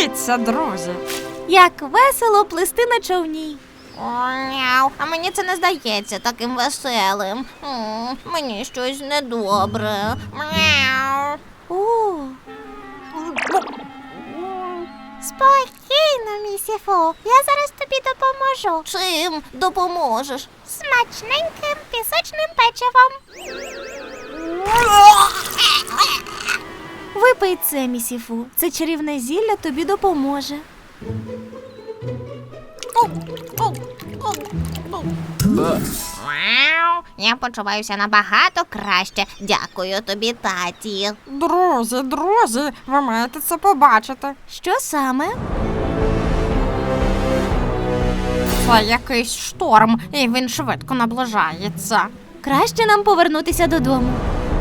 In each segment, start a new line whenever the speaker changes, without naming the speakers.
Дивіться, друзі.
Як весело плисти на човні.
Мяу, а мені це не здається таким веселим. Мені щось недобре. Мяу.
О. Спокійно, місіфу. Я зараз тобі допоможу.
Чим допоможеш?
Смачненьким пісочним печивом. Випий це, місіфу. Це чарівне зілля тобі допоможе.
Мяу. Я почуваюся набагато краще. Дякую тобі, таті.
Друзі, ви маєте це побачити.
Що саме?
Це якийсь шторм, і він швидко наближається.
Краще нам повернутися додому.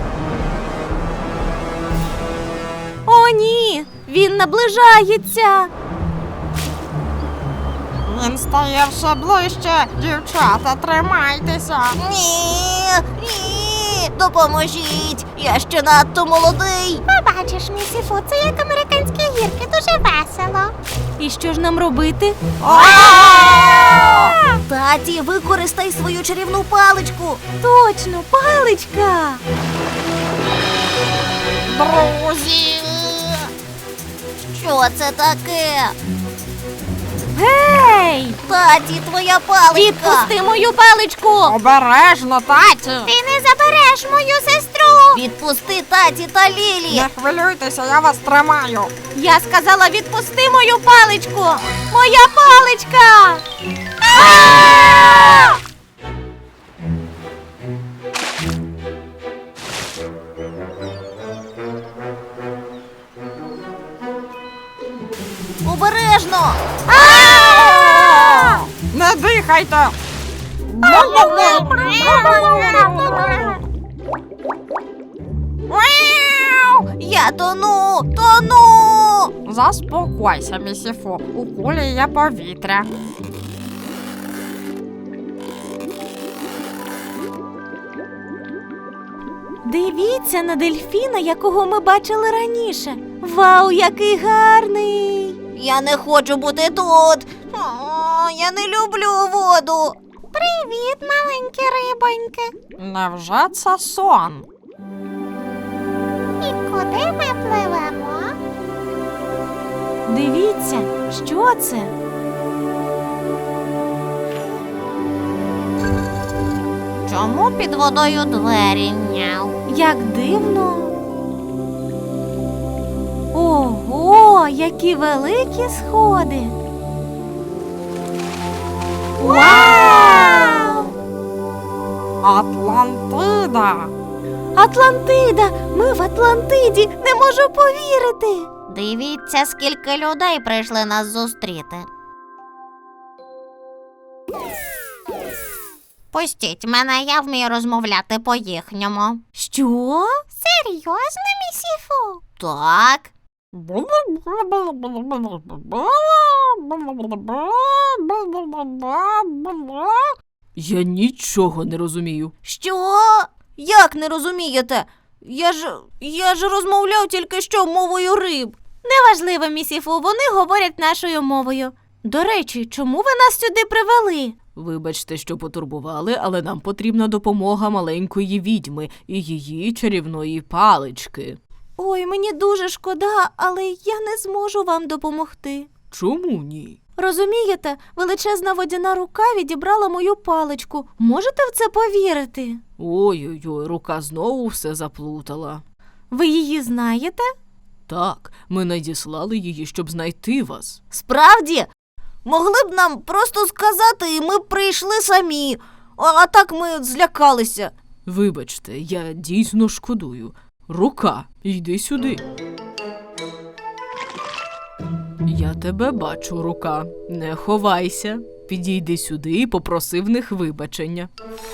О, ні! Він наближається!
Він стає все ближче. Дівчата, тримайтеся.
Ні, допоможіть. Я ще надто молодий.
Побачиш, місіфу, це як американські гірки, дуже весело. І що ж нам робити?
Таті, використай свою чарівну паличку.
Точно, паличка!
Друзі!
Що це таке?
Гей!
Таті, твоя паличка.
Відпусти мою паличку!
Обережно, таті!
Ти не забереш мою сестру!
Відпусти таті та Лілі.
Не хвилюйтеся, я вас тримаю.
Я сказала, відпусти мою паличку! Моя паличка! А!
Обережно.
Не дихайте!
Я тону.
Заспокойся, місіфу. У кулі є повітря.
Дивіться на дельфіна, якого ми бачили раніше. Вау, який гарний!
Я не хочу бути тут. Я не люблю воду.
Привіт, маленькі рибоньки.
Невже це сон?
І куди ми пливемо? Дивіться, що це?
Чому під водою двері? Няу.
Як дивно. Ого, які великі сходи. Вау!
Атлантида!
Атлантида! Ми в Атлантиді! Не можу повірити!
Дивіться, скільки людей прийшли нас зустріти. Пустіть мене, я вмію розмовляти по-їхньому.
Що? Серйозно, місіфу?
Так.
Я нічого не розумію.
Що? Як не розумієте? Я ж розмовляв тільки що мовою риб.
Неважливо, місіфу, вони говорять нашою мовою. До речі, чому ви нас сюди привели?
Вибачте, що потурбували, але нам потрібна допомога маленької відьми і її чарівної палички.
Ой, мені дуже шкода, але я не зможу вам допомогти.
Чому ні?
Розумієте, величезна водяна рука відібрала мою паличку. Можете в це повірити?
Ой-ой-ой, рука знову все заплутала.
Ви її знаєте?
Так, ми надіслали її, щоб знайти вас.
Справді? Могли б нам просто сказати, і ми б прийшли самі. А так ми злякалися.
Вибачте, я дійсно шкодую. Рука, йди сюди. Я тебе бачу, рука. Не ховайся. Підійди сюди і попроси в них вибачення.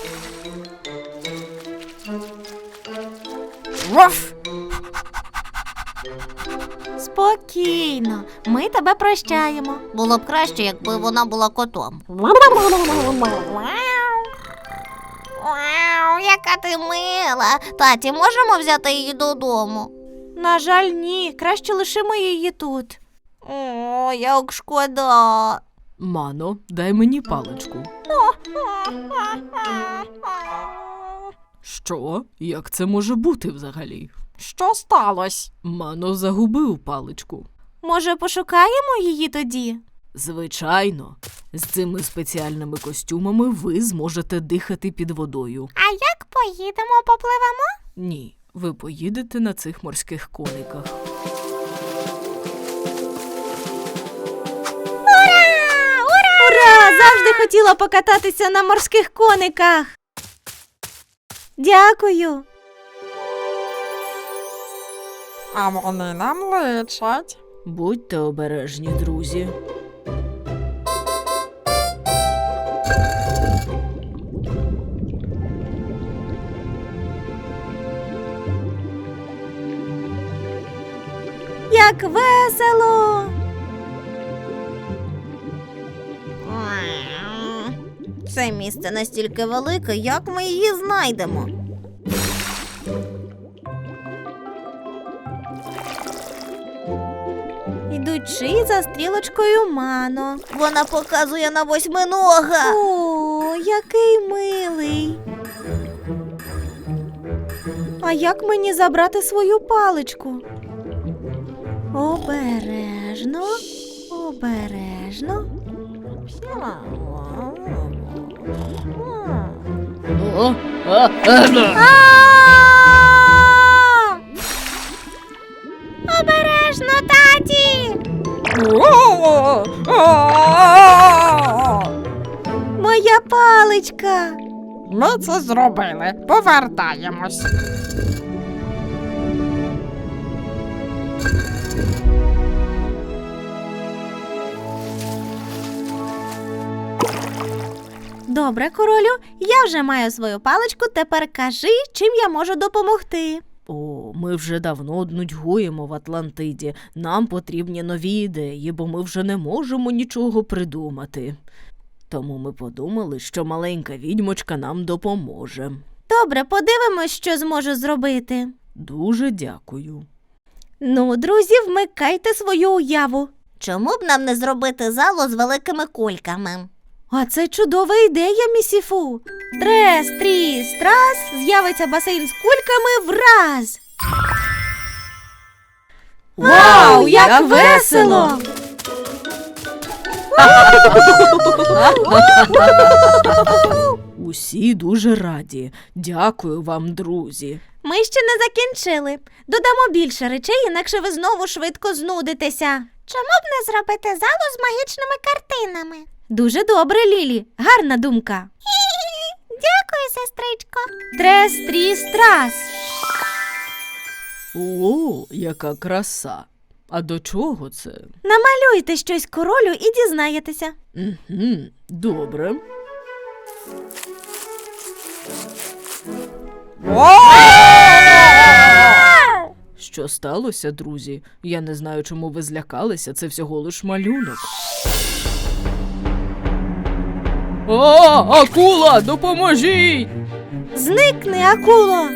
Ваф!
Спокійно, ми тебе прощаємо.
Було б краще, якби вона була котом. Вау, яка ти мила. Таті, можемо взяти її додому?
На жаль, ні, краще лишимо її тут.
О, як шкода.
Мано, дай мені паличку. Що? Як це може бути взагалі?
Що сталося?
Мано загубив паличку.
Може, пошукаємо її тоді?
Звичайно, з цими спеціальними костюмами ви зможете дихати під водою.
А як поїдемо, попливемо?
Ні, ви поїдете на цих морських кониках.
Ура! Завжди хотіла покататися на морських кониках. Дякую.
А вони нам личать.
Будьте обережні, друзі.
Як весело!
Це місце настільки велике, як ми її знайдемо?
Ідучи за стрілочкою Мано.
Вона показує на восьминога.
О, який милий. А як мені забрати свою паличку? Обережно, обережно.
О,
Обережно, таті!
Моя паличка.
Ми це зробили. Повертаємось.
Добре, королю, я вже маю свою паличку, тепер кажи, чим я можу допомогти.
О, ми вже давно нудьгуємо в Атлантиді. Нам потрібні нові ідеї, бо ми вже не можемо нічого придумати. Тому ми подумали, що маленька відьмочка нам допоможе.
Добре, подивимось, що зможу зробити.
Дуже дякую.
Ну, друзі, вмикайте свою уяву.
Чому б нам не зробити залу з великими кульками?
А це чудова ідея, місіфу. Трес, тріс, трас, з'явиться басейн з кульками враз. Вау, як весело!
Усі дуже раді. Дякую вам, друзі.
Ми ще не закінчили. Додамо більше речей, інакше ви знову швидко знудитеся.
Чому б не зробити залу з магічними картинами?
Дуже добре, Лілі. Гарна думка.
Дякую, сестричко.
Трес, тріс, трас.
О, яка краса. А до чого це?
Намалюйте щось королю і дізнаєтеся.
Угу, добре. Що сталося, друзі? Я не знаю, чому ви злякалися, це всього лиш малюнок. О, акула, допоможіть!
Зникни, акуло!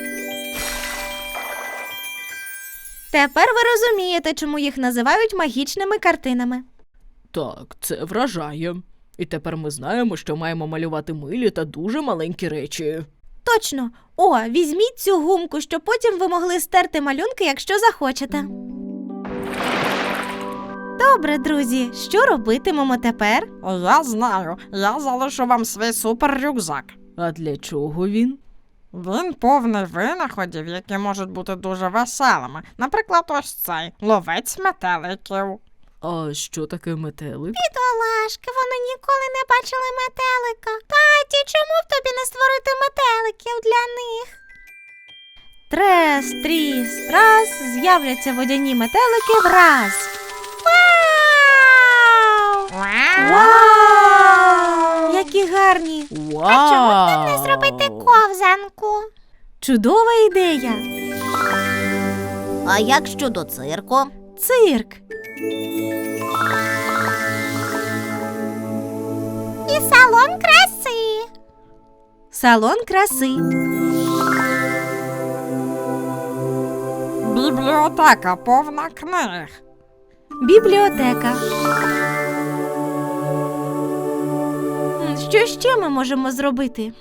Тепер ви розумієте, чому їх називають магічними картинами.
Так, це вражає. І тепер ми знаємо, що маємо малювати милі та дуже маленькі речі.
Точно. О, візьміть цю гумку, щоб потім ви могли стерти малюнки, якщо захочете. Добре, друзі, що робитимемо тепер?
Я знаю. Я залишу вам свій супер-рюкзак.
А для чого він?
Він повний винаходів, які можуть бути дуже веселими. Наприклад, ось цей ловець метеликів.
А що таке метелик?
Бідолашки, вони ніколи не бачили метелика. Таті, чому б тобі не створити метеликів для них?
Трес, тріс, трас, з'являться водяні метелики враз.
Вау!
Вау! Які гарні!
Вау!
А чому б нам не зробити ковзанку?
Чудова ідея!
А як щодо цирку?
Цирк!
І салон краси.
Салон краси.
Бібліотека повна книг.
Бібліотека. Що ще ми можемо зробити?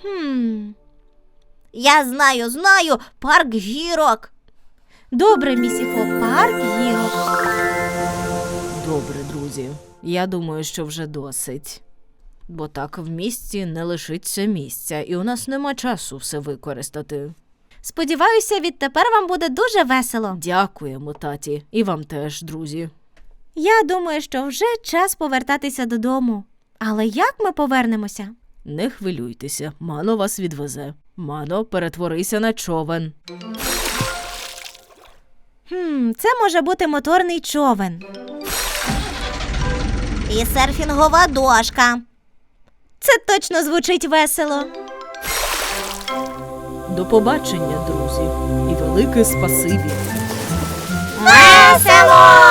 Я знаю, парк гірок.
Добре, місіфу, парк гірок.
Добре, друзі. Я думаю, що вже досить. Бо так в місті не лишиться місця, і у нас нема часу все використати.
Сподіваюся, відтепер вам буде дуже весело.
Дякуємо, таті. І вам теж, друзі.
Я думаю, що вже час повертатися додому. Але як ми повернемося?
Не хвилюйтеся, Мано вас відвезе. Мано, перетворися на човен.
Це може бути моторний човен.
І серфінгова дошка.
Це точно звучить весело.
До побачення, друзі. І велике спасибі.
Весело!